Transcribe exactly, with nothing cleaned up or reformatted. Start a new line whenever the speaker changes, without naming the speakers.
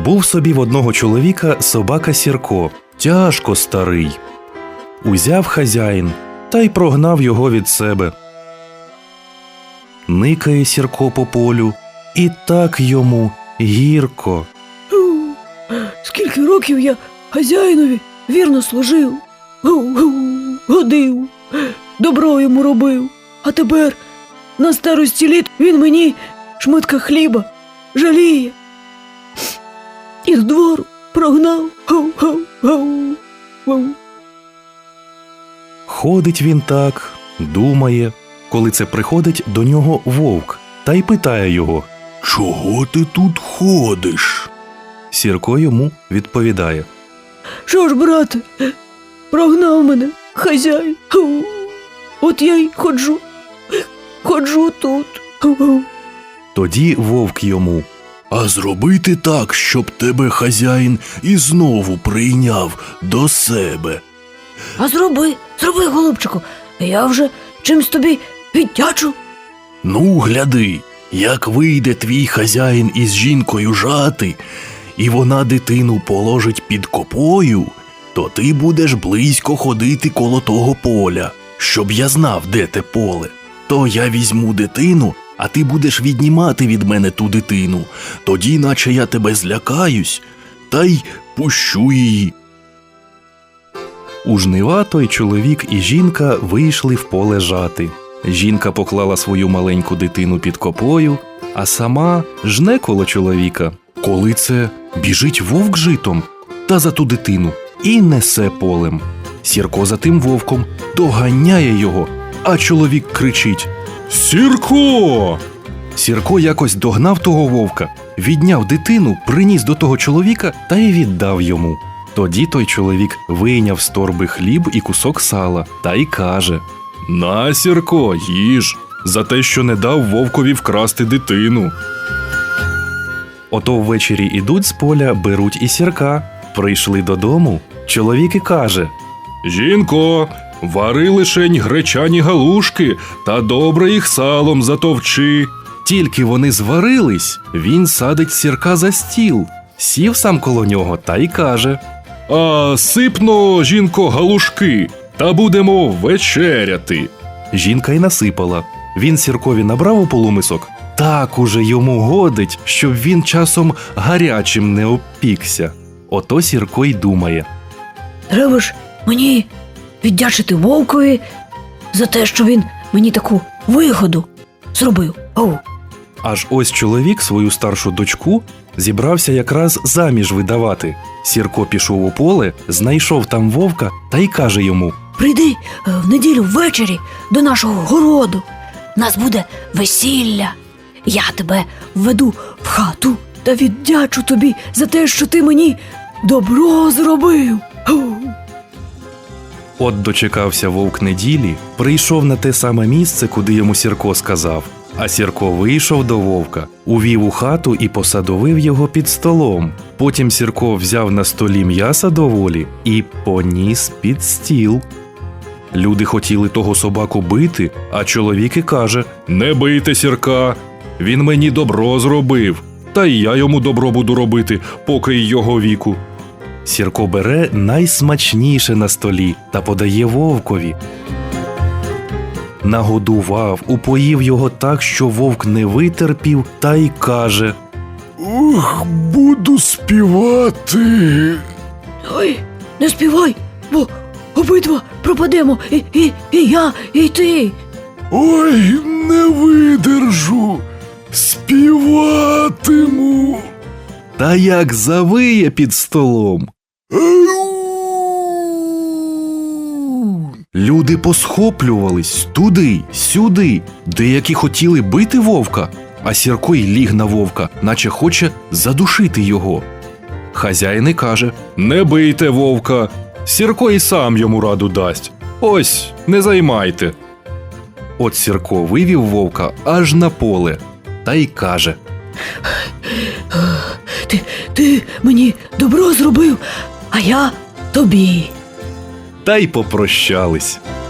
Був собі в одного чоловіка собака Сірко, тяжко старий. Узяв хазяїн та й прогнав його від себе. Никає Сірко по полю, і так йому гірко.
Скільки років я хазяїнові вірно служив, годив, добро йому робив, а тепер на старості літ він мені шматка хліба жаліє. І з двору прогнав.
Ходить він так, думає, коли це приходить до нього вовк, та й питає його: «Чого ти тут ходиш?» Сірко йому відповідає:
«Що ж, брате, прогнав мене хазяїн, от я й ходжу, ходжу тут».
Тоді вовк йому: «А зробити так, щоб тебе хазяїн і знову прийняв до себе».
«А зроби, зроби, голубчику, я вже чимсь тобі віддячу».
«Ну, гляди, як вийде твій хазяїн із жінкою жати, і вона дитину положить під копою, то ти будеш близько ходити коло того поля, щоб я знав, де те поле. То я візьму дитину, а ти будеш віднімати від мене ту дитину, тоді наче я тебе злякаюсь, та й пущу її». У жнива той чоловік і жінка вийшли в поле жати. Жінка поклала свою маленьку дитину під копою, а сама жне коло чоловіка. Коли це біжить вовк житом та за ту дитину і несе полем. Сірко за тим вовком доганяє його, а чоловік кричить: «Сірко!» Сірко якось догнав того вовка, відняв дитину, приніс до того чоловіка та й віддав йому. Тоді той чоловік вийняв з торби хліб і кусок сала та й каже: «На, Сірко, їж, за те, що не дав вовкові вкрасти дитину». Ото ввечері ідуть з поля, беруть і Сірка. Прийшли додому, чоловік і каже: «Жінко, вари лишень гречані галушки та добре їх салом затовчи». Тільки вони зварились, він садить Сірка за стіл, сів сам коло нього та й каже: «А сипно, жінко, галушки, та будемо вечеряти». Жінка й насипала. Він Сіркові набрав у полумисок, так уже йому годить, щоб він часом гарячим не обпікся. Ото Сірко й думає:
«Треба ж мені віддячити вовкові за те, що він мені таку вигоду зробив». Оу.
Аж ось чоловік свою старшу дочку зібрався якраз заміж видавати. Сірко пішов у поле, знайшов там вовка та й каже йому:
«Прийди в неділю ввечері до нашого городу. У нас буде весілля. Я тебе введу в хату та віддячу тобі за те, що ти мені добро зробив».
От дочекався вовк неділі, прийшов на те саме місце, куди йому Сірко сказав. А Сірко вийшов до вовка, увів у хату і посадовив його під столом. Потім Сірко взяв на столі м'яса доволі і поніс під стіл. Люди хотіли того собаку бити, а чоловік і каже: «Не бийте Сірка, він мені добро зробив, та й я йому добро буду робити, поки й його віку». Сірко бере найсмачніше на столі та подає вовкові. Нагодував, упоїв його так, що вовк не витерпів, та й каже: «Ух, буду співати».
«Ой, не співай, бо обидва пропадемо, і, і, і я, і ти».
«Ой, не видержу, співатиму». Та як завиє під столом. Люди посхоплювались туди, сюди, деякі хотіли бити вовка, а Сірко й ліг на вовка, наче хоче задушити його. Хазяїн і каже: «Не бийте вовка, Сірко і сам йому раду дасть. Ось, не займайте». От Сірко вивів вовка аж на поле та й каже:
Ти, ти мені добро зробив, а я тобі».
Та й попрощались.